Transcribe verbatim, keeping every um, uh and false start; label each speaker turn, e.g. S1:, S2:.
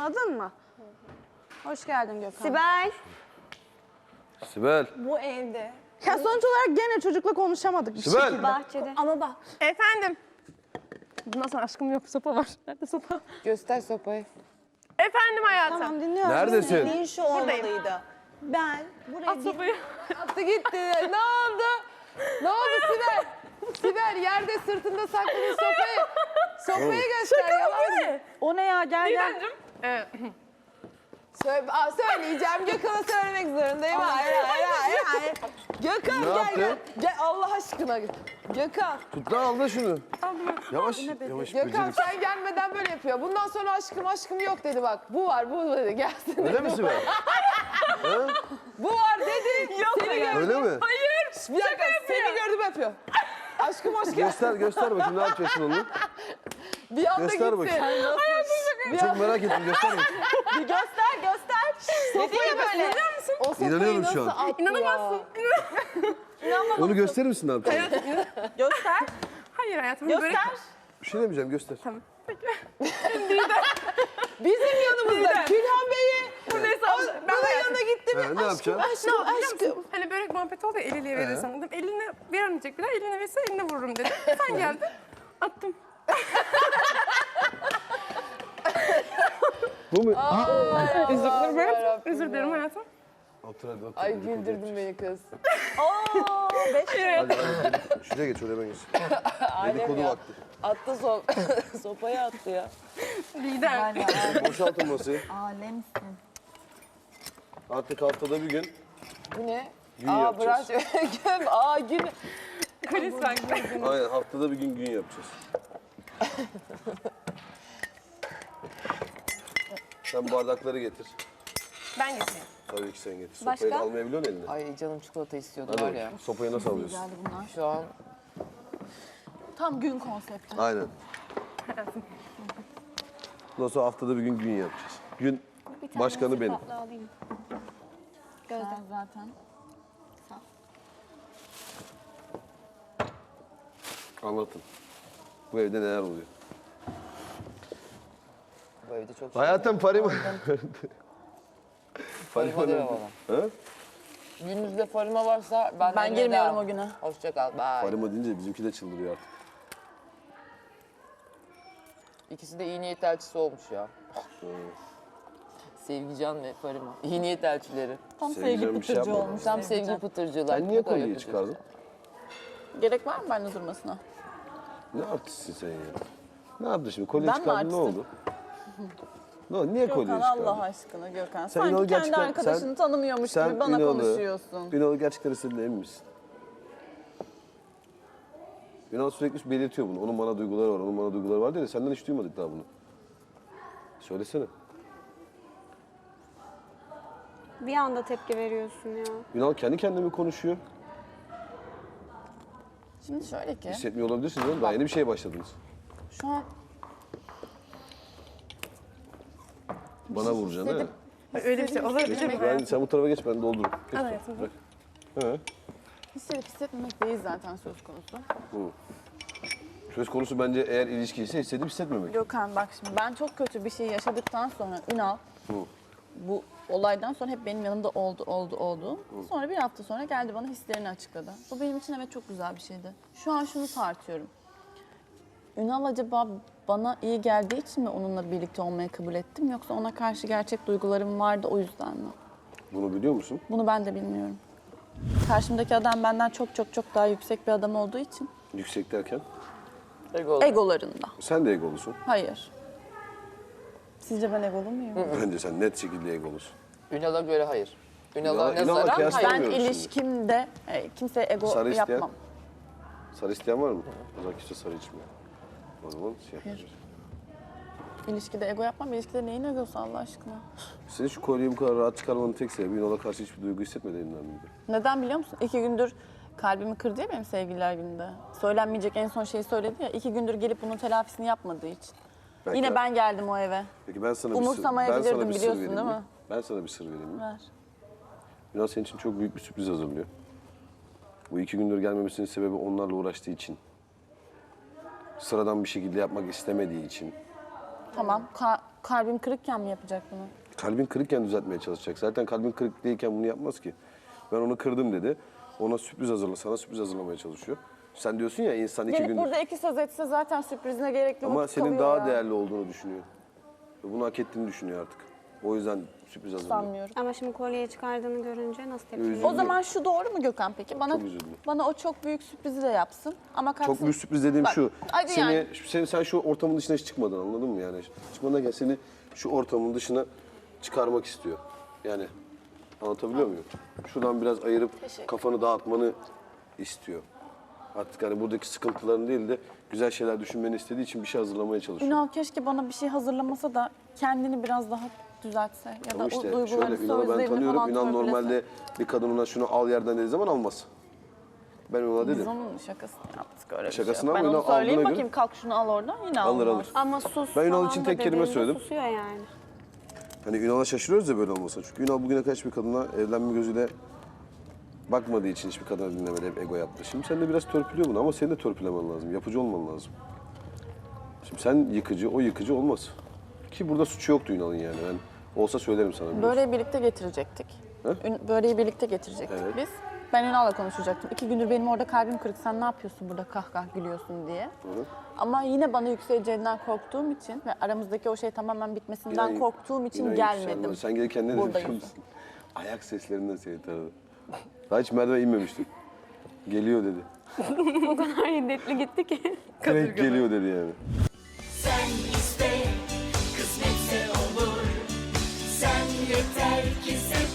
S1: Anladın mı? Hoş geldin Gökhan.
S2: Sibel.
S3: Sibel.
S2: Bu evde.
S1: Ya sonuç olarak gene çocukla konuşamadık bir
S3: Sibel.
S1: şekilde.
S2: Bahçede. Ama bak.
S4: Efendim. Bundan sonra aşkım yok, sopa var. Nerede sopa?
S5: Göster sopayı.
S4: Efendim hayatım.
S1: Tamam dinliyorum.
S3: Neredesin?
S2: Dediğin şu olmalıydı. Ben buraya
S4: At
S2: bir...
S4: sopayı.
S5: Attı gitti. Ne oldu? Ne oldu Sibel? Sibel yerde sırtında sakladığın sopayı. Sopayı göster. Yalan mı?
S1: O ne ya gel gel.
S4: Didemciğim. Ee,
S5: Söyle, aa, söyleyeceğim. Gökhan'a söylemek zorundayım. Hayır, hayır, hayır, hayır. Gökhan
S3: Ne
S5: gel
S3: yaptı?
S5: gel. Gel Allah aşkına. Gökhan.
S3: Tut lan al da şunu. Yavaş, yavaş
S5: Gökhan
S3: beceriksiz.
S5: sen gelmeden böyle yapıyor. Bundan sonra aşkım aşkım yok dedi bak. Bu var bu dedi gelsin.
S3: Öyle mi Sibel? Ha?
S5: Bu var dedi. Yok seni gördüm.
S3: Öyle mi?
S5: Bir dakika seni gördüm yapıyor. Aşkım aşkım.
S3: Göster, göster bakayım ne yapacaksın onu.
S5: Bir anda
S3: Göster
S5: gitti.
S3: bakayım.
S5: Bir
S3: Çok
S5: anda
S3: merak ettim, göster bakayım.
S2: Bir göster göster.
S5: sopayı böyle. O sopayı
S3: İnanıyorum
S5: nasıl
S3: şu an.
S5: attı
S4: İnanamazsın.
S5: ya?
S3: Onu gösterir misin ne yapacağını?
S2: Göster.
S4: Hayır hayatım.
S2: Göster.
S4: Börek...
S3: Bir şey demeyeceğim, göster.
S5: Bizim yanımızda Külhan Bey'i.
S4: Bu neyse
S5: O,
S4: abla, ben
S5: bana
S4: hayatım.
S5: yanına gitti mi?
S3: Ha, ne yapacaksın?
S5: Aşkım
S4: Ne
S5: aşkım
S4: yapacağım?
S5: aşkım.
S4: Hani börek muhabbeti oldu ya, el ele verir sandım. Eline vermeyecek bir daha, eline verirse eline vururum dedi. Sen geldin, attım.
S3: Bu mu?
S4: Özür dilerim hayatım. Özür dilerim hayatım.
S3: Otur hadi otur.
S5: Ay
S3: Dedikodu
S5: güldürdün
S3: yapacağız.
S5: beni kız.
S2: Oo, beş
S3: Hadi hadi. Şuraya geç, oraya ben geç. Dedikodu
S5: ya.
S3: vakti.
S5: Attı so sopayı attı ya.
S4: Lider.
S3: Boşaltın masayı.
S2: Alemsin.
S3: Artık haftada bir gün
S5: Bu ne?
S3: gün
S5: Aa
S3: yapacağız.
S5: branş. Göm. Aa gün.
S4: Kulis var.
S3: Aynen, haftada bir gün gün yapacağız. Sen bardakları getir.
S4: Ben getireyim.
S3: Tabii ki sen getir.
S2: Başka?
S3: Sopayı da almayabiliyor musun eline?
S5: Ay canım çikolata istiyordu
S3: Hadi
S5: var
S3: bakayım.
S5: ya.
S3: Sopayı nasıl alıyorsun?
S2: Geldi bunlar.
S5: Şu an
S2: Tam gün konsepti.
S3: Aynen. Ondan sonra haftada bir gün gün yapacağız. Gün başkanı benim.
S2: Alayım. Gözden zaten.
S3: Anlatın. Bu evde neler oluyor?
S5: bu evde çok
S3: Hayatım Farima.
S5: farima diyor bana.
S3: Ha?
S5: Gününüzde farima varsa ben
S2: Ben girmiyorum o güne.
S5: Hoşça kal. Bye.
S3: Farima deyince bizimki de çıldırıyor artık.
S5: İkisi de iyi niyet elçisi olmuş ya. Sevgican ve Farima. İyi niyet elçileri.
S2: Tam
S3: Sevgili
S2: sevgi
S3: bir şey
S2: pıtırcı
S3: yapmadım.
S2: olmuş.
S5: Tam
S2: Sevgican.
S5: sevgi pıtırcılar.
S3: Sen niye
S5: Ne kadar
S3: kolyeyi
S5: yapıcı.
S3: çıkardın?
S2: Gerek var mı bende durmasına?
S3: Ne artistsin sen ya? Ne yaptın şimdi? Kolye
S2: Ben mi
S3: çıkardın ne
S2: artistim?
S3: oldu? Ne oldu? Niye kolye
S2: Gökhan
S3: çıkardın?
S2: Allah aşkına Gökhan.
S3: Sen
S2: Sanki
S3: Ünal'ı
S2: kendi
S3: gerçekten-
S2: arkadaşını
S3: sen-
S2: tanımıyormuş
S3: Sen
S2: gibi bana
S3: Ünal'ı-
S2: konuşuyorsun.
S3: Ünal'ı gerçekten istediğine emin misin? Ünal sürekli belirtiyor bunu. Onun bana duyguları var, onun bana duyguları var diye de senden hiç duymadık daha bunu. Söylesene.
S6: Bir anda tepki veriyorsun ya.
S3: Ünal kendi kendine mi konuşuyor?
S2: Şimdi şöyle ki,
S3: Hissetmiyor olabilirsiniz oğlum. Daha yeni bir şeye başladınız.
S2: şu an
S3: Bana vuracaksın ha.
S4: Öyle bir şey olabilir mi?
S3: Ben, sen bu tarafa geç, ben doldururum. Geç
S4: Al
S3: bak,
S4: hayatım.
S3: bırak. He.
S2: hissedip hissetmemek değil zaten söz konusu.
S3: Söz konusu bence eğer ilişki ise hissedip hissetmemek.
S2: Gökhan bak şimdi ben çok kötü bir şey yaşadıktan sonra Ünal bu olaydan sonra hep benim yanımda oldu, oldu, oldu. Sonra bir hafta sonra geldi bana hislerini açıkladı. Bu benim için evet çok güzel bir şeydi. Şu an şunu tartıyorum. Ünal acaba bana iyi geldiği için mi onunla birlikte olmayı kabul ettim yoksa ona karşı gerçek duygularım vardı o yüzden mi?
S3: Bunu biliyor musun?
S2: Bunu ben de bilmiyorum. Karşımdaki adam benden çok çok çok daha yüksek bir adam olduğu için
S3: Yüksek derken.
S5: Ego.
S2: egolarında.
S3: Sen de egolusun.
S2: Hayır. Sizce ben egolu muyum?
S3: Bence sen net şekilde egolusun.
S5: Ünal'a göre hayır. Ünal'a
S3: Ünal'a- Ünal'la
S5: nazaran
S3: kıyasla-
S5: hayır.
S2: Ben
S3: Bilmiyorum şimdi.
S2: ilişkimde e, kimseye ego
S3: Sarı isteyen?
S2: yapmam.
S3: Sarı isteyen var mı? O zaman kimse sarı içmiyor. O zaman şey yapacağız.
S2: İlişkide ego yapmam. İlişkide neyin egosu Allah aşkına?
S3: Senin şu kolyeyi bu kadar rahat çıkarmanın tek sebebi Ünal'a karşı hiçbir duygu hissetmediğinden miydi?
S2: Neden biliyor musun? İki gündür kalbimi kırdı ya benim sevgililer gününde. Söylenmeyecek en son şeyi söyledi ya. İki gündür gelip bunun telafisini yapmadığı için.
S3: Belki-
S2: Yine ben geldim o eve.
S3: Peki ben sana bir sır, ben
S2: Umursamayabilirdim,
S3: sana bir sır
S2: biliyorsun
S3: vereyim
S2: değil
S3: mi?
S2: mi?
S3: Ben sana bir sır vereyim mi?
S2: Ver.
S3: Ünal senin için çok büyük bir sürpriz hazırlıyor. Bu iki gündür gelmemesinin sebebi onlarla uğraştığı için. Sıradan bir şekilde yapmak istemediği için.
S2: Tamam. Ka- kalbim kırıkken mi yapacak bunu?
S3: Kalbin kırıkken düzeltmeye çalışacak. Zaten kalbin kırık değilken bunu yapmaz ki. Ben onu kırdım dedi. Ona sürpriz hazırla, sana sürpriz hazırlamaya çalışıyor. Sen diyorsun ya insan iki
S2: Gelip
S3: gündür.
S2: burada iki söz etse zaten sürprizine gerekli
S3: Ama
S2: vakit
S3: senin
S2: kalıyor
S3: daha
S2: ya.
S3: değerli olduğunu düşünüyor. Ve bunu hak ettiğini düşünüyor artık. O yüzden sürpriz hazırlıyor.
S2: Sanmıyorum.
S6: Ama şimdi kolyeyi çıkardığını görünce nasıl tepki
S3: Üzüldüm.
S6: veriyorsun?
S2: O zaman şu doğru mu Gökhan peki? Bana
S3: Çok üzüldüm.
S2: bana o çok büyük sürprizi de yapsın ama kalksın.
S3: Çok büyük sürpriz dediğim
S2: Bak,
S3: şu.
S2: hadi
S3: Seni,
S2: yani.
S3: seni, sen şu ortamın dışına hiç çıkmadın, anladın mı yani? Çıkmadan gel seni şu ortamın dışına çıkarmak istiyor. Yani anlatabiliyor muyum? Şuradan biraz ayırıp kafanı dağıtmanı istiyor. Artık hani buradaki sıkıntıların değil de güzel şeyler düşünmeni istediği için bir şey hazırlamaya çalışıyor.
S2: Ünal keşke bana bir şey hazırlamasa da kendini biraz daha düzeltse ya da
S3: Ama
S2: o
S3: işte
S2: duygularını,
S3: şöyle Ünal'ı ben
S2: sözlerini
S3: tanıyorum.
S2: falan
S3: Ünal
S2: törpülese.
S3: normalde bir kadın ona şunu al yerden dediği zaman almaz. Ben ona
S2: Biz
S3: dedim.
S2: onun şakasını yaptık öyle bir
S3: Şakasını
S2: şey. yok.
S3: ama
S2: Ben onu
S3: Ünal
S2: söyleyeyim
S3: aldığına
S2: bakayım kalk şunu al oradan yine
S3: Alır
S2: almaz.
S3: alır.
S6: Ama sus
S3: Ben Ünal
S6: falan
S3: için
S6: da
S3: tek kelime
S6: dediğinde
S3: söyledim.
S6: Susuyor yani.
S3: Hani Ünal'a şaşırıyoruz ya böyle olmasa. Çünkü Ünal bugüne kadar hiçbir kadına evlenme gözüyle bakmadığı için hiçbir kadına dinlemedi, hep ego yaptı. Şimdi sen de biraz törpülüyor bunu ama senin de törpülemen lazım, yapıcı olman lazım. Şimdi sen yıkıcı, o yıkıcı olmaz. Ki burada suçu yoktu Ünal'ın yani. Ben olsa söylerim sana. biliyorsun.
S2: Böreği birlikte getirecektik.
S3: He?
S2: Ün- Böreği birlikte getirecektik
S3: Evet.
S2: biz. Ben Ünal'la konuşacaktım. İki gündür benim orada kalbim kırık. Sen ne yapıyorsun burada kah kah gülüyorsun diye.
S3: Hı.
S2: Ama yine bana yükseleceğinden korktuğum için ve aramızdaki o şey tamamen bitmesinden
S3: İnan-
S2: korktuğum için
S3: inan
S2: gelmedim.
S3: yükselmez. Sen gelirken ne dedin
S2: Buradayım.
S3: biliyor musun? Ayak seslerinden seni tanıdım. Daha hiç merdiven inmemiştim. Geliyor dedi.
S6: O kadar hiddetli gitti ki.
S3: Direkt geliyor dedi yani.
S7: Sen iste, kısmetse olur. Sen yeter ki sev.